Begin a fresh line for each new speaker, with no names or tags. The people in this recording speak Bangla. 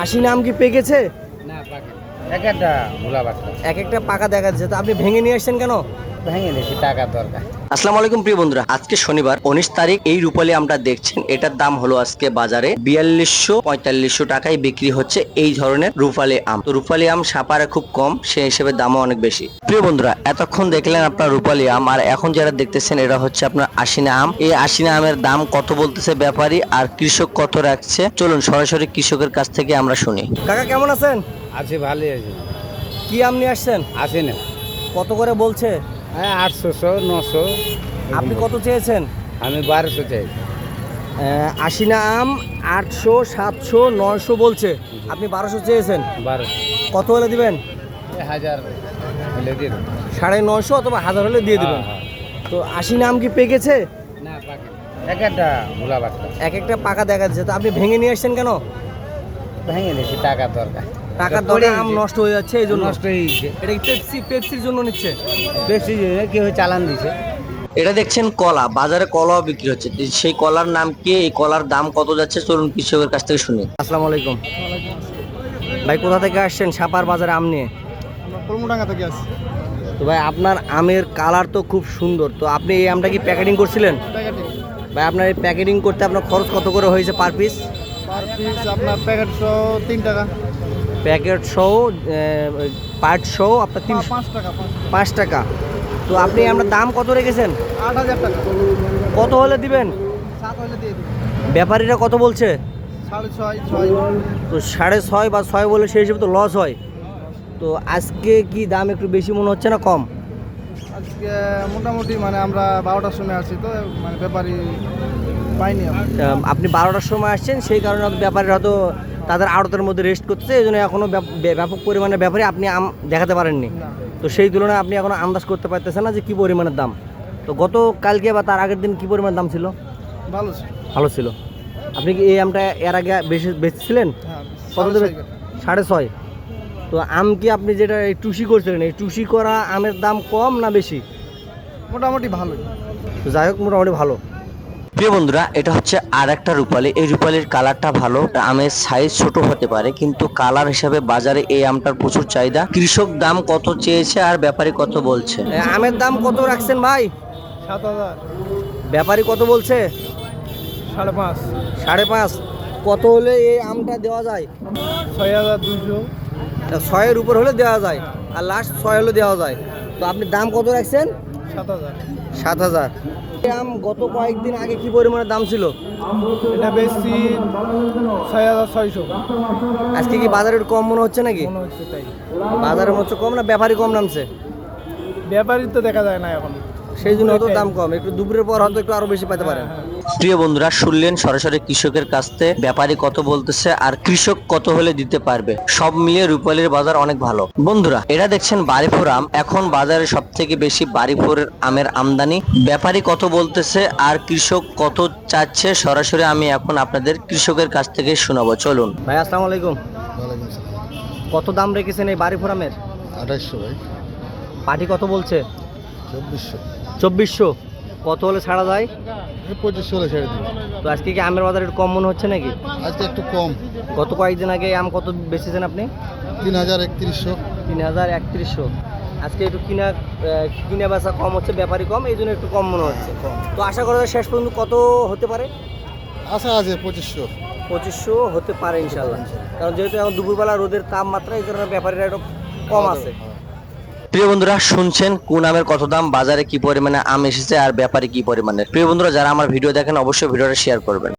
আশি আম কি পেকেছে?
না পাকে এক একটা ভোলা বাচ্চা
এক একটা পাকা দেখা যাচ্ছে, তো আপনি ভেঙে নিয়ে আসছেন কেন?
ভেঙে নিয়েছি, টাকার দরকার।
আসসালামু আলাইকুম প্রিয় বন্ধুরা, আজকে শনিবার 19 তারিখ। এই রূপালী আমটা দেখছেন, এটার দাম হলো আজকে বাজারে 4200-4500 টাকায় বিক্রি হচ্ছে এই ধরনের রূপালী আম। তো রূপালী আম সাপারে খুব কম, সেই হিসেবে দামও অনেক বেশি। প্রিয় বন্ধুরা, এতক্ষণ দেখলেন আপনার রূপালী আম, আর এখন যারা দেখতেছেন এটা হচ্ছে আপনার আশিনা আম। এই আশিনা আমের দাম কত বলতেছে ব্যাপারী আর কৃষক কত রাখছে, চলুন সরাসরি কৃষকের কাছ থেকে আমরা শুনি। কাকা কেমন আছেন?
আছে, ভালোই আছে।
কি আম নিয়ে আসছেন?
আছে না,
কত করে বলছে?
হ্যাঁ 800-900।
আপনি কত চেয়েছেন?
আমি 1200 চাই।
আশিনা আম 800, 700, 900 বলছে, আপনি 1200 চেয়েছেন।
1200
কত হলে দিবেন?
1000 হলে দিয়ে দেবো।
950 অথবা 1000 হলে দিয়ে দিবেন।
হ্যাঁ,
তো আশিনা আম কি পেকেছে?
না পাকে এক একটা ভোলা বাচ্চা
এক একটা পাকা দেখা যাচ্ছে, তো আপনি ভেঙে নিয়ে আসছেন কেন?
ভেঙে নিয়েছি, টাকার দরকার।
টাকার দরে আম নষ্ট হয়ে যাচ্ছে, এই জন্য।
নষ্ট হয়ে গেছে।
এটা কি পেপসির জন্য নিচ্ছে?
বেশি কেউ চালান দিছে।
এটা দেখছেন কলা, বাজারে কলাও বিক্রি হচ্ছে। সেই কলার নাম কি, এই কলার দাম কত যাচ্ছে, চলুন কৃষকের কাছ থেকে শুনি। আসসালামু আলাইকুম ভাই, কোথা থেকে আসছেন সাপার বাজারে আম নিয়ে?
কলমডাঙ্গা থেকে আসছি।
তো ভাই, আপনার আমের কালার তো খুব সুন্দর, তো আপনি এই আমটা কি প্যাকেটিং করছিলেন?
প্যাকেটিং
ভাই, আপনার এই প্যাকেটিং করতে আপনার খরচ কত করে হয়েছে পার পিস?
পার পিস আপনার প্যাকেট সহ 3 টাকা।
প্যাকেট সহ পার্ট সহ আপনার
5 টাকা
5 টাকা। তো আপনি আপনার দাম কত রেখেছেন?
8000 টাকা।
কত হলে দিবেন?
7 হলে দিয়ে দেবো।
ব্যাপারীরা কত বলছে?
6.5 6।
তো 6.5 বা 6 বলে সেই হিসেবে তো লস হয়। তো আজকে কি দাম একটু বেশি মনে হচ্ছে না কম?
আজকে মোটামুটি মানে আমরা 12টার সময় আসছি, তো মানে ব্যাপারই পাইনি আমরা।
আপনি 12টার সময় আসছেন, সেই কারণে হয়তো ব্যাপারীরা হয়তো তাদের আড়তের মধ্যে রেস্ট করতেছে, এই জন্য এখনও ব্যাপক পরিমাণে ব্যাপারে আপনি আম দেখাতে পারেননি।
না।
তো সেই তুলনায় আপনি এখনো আন্দাজ করতে পারতেছেন না যে কী পরিমাণের দাম। তো গত কালকে বা তার আগের দিন কী পরিমাণের দাম ছিল?
ভালো ছিল।
ভালো ছিল। আপনি কি এই আমটা এর আগে বেচছিলেন?
হ্যাঁ,
কত দেবে?
6.5।
6.5। তো আম কি আপনি যেটা এই টুসি করছিলেন, এই টুসি করা আমের দাম কম না বেশি?
মোটামুটি ভালোই।
তো যাই হোক, মোটামুটি ভালো। প্রিয় বন্ধুরা, এটা হচ্ছে আর একটা রূপালী। এই রূপালীর কালারটা ভালো, আমের সাইজ ছোট হতে পারে, কিন্তু কালার হিসাবে বাজারে এই আমটার প্রচুর চাহিদা। কৃষক দাম কত চেয়েছে আর ব্যাপারী কত বলছে? আমের দাম কত রাখছেন ভাই?
7000।
ব্যাপারী কত বলছে?
5.5।
5.5। কত হলে এই আমটা দেওয়া যায়?
6200।
6-এর উপর হলে দেওয়া যায়, আর লাস্ট 6 হলে দেওয়া যায়। তো আপনি দাম কত রাখছেন?
7000।
7000। এই আম গত কয়েকদিন আগে কি পরিমাণে দাম ছিল?
এটা বেশি 6600
আজকে কি বাজারে একটু কম মনে হচ্ছে নাকি?
মনে হচ্ছে। তাই
বাজারে মনে হচ্ছে কম, না ব্যাপারী কম নামছে?
ব্যাপারই তো দেখা যায় না এখন।
সেই জন্য হয়তো দাম কম, একটু দুপুরের পর হয়তো একটু আরো বেশি পেতে পারেন। প্রিয় বন্ধুরা, শুনলেন সরাসরি কৃষকের কাছ থেকে ব্যাপারী কত বলতেছে আর কৃষক কত হলে দিতে পারবে। সব মিলিয়ে রূপালীর বাজার অনেক ভালো। বন্ধুরা, এটা দেখছেন বারিপুর আম। এখন বাজারে সব থেকে বেশি বারিপুরের আমের আমদানি। ব্যাপারী কত বলতেছে আর কৃষক কত চাচ্ছে, সরাসরি আমি এখন আপনাদের কৃষকের কাছ থেকে শোনাবো, চলুন। ভাই আসসালামু আলাইকুম।
ওয়ালাইকুম আসসালাম।
কত দাম রেখেছেন এই বারিপুর আমের?
2800 ভাই।
পাটি কত বলছে?
2400।
2400। কত হলে ছাড়া যায়?
2500 হলে ছেড়ে দিন।
তো আজকে কি আমের বাজার একটু কম মনে হচ্ছে নাকি?
আজকে একটু কম।
গত কয়েকদিন আগে আম কত বেচেছেন আপনি?
3000-3100।
3000-3100। আজকে একটু কিনা বেচা কম হচ্ছে, ব্যাপারই কম, এই জন্য একটু কম মনে হচ্ছে। তো আশা করা যায় শেষ পর্যন্ত কত হতে পারে?
আশা আছে 2500।
2500 হতে পারে ইনশাল্লাহ, কারণ যেহেতু এখন দুপুরবেলা রোদের তাপমাত্রা, এই কারণে ব্যাপারীরা একটু কম আছে। প্রিয় বন্ধুরা, শুনছেন কোন আমের কত দাম, বাজারে কি পরিমাণে আম এসেছে আর ব্যাপারে কি পরিমাণে। প্রিয় বন্ধুরা, যারা আমার ভিডিও দেখেন অবশ্যই ভিডিওটা শেয়ার করবেন।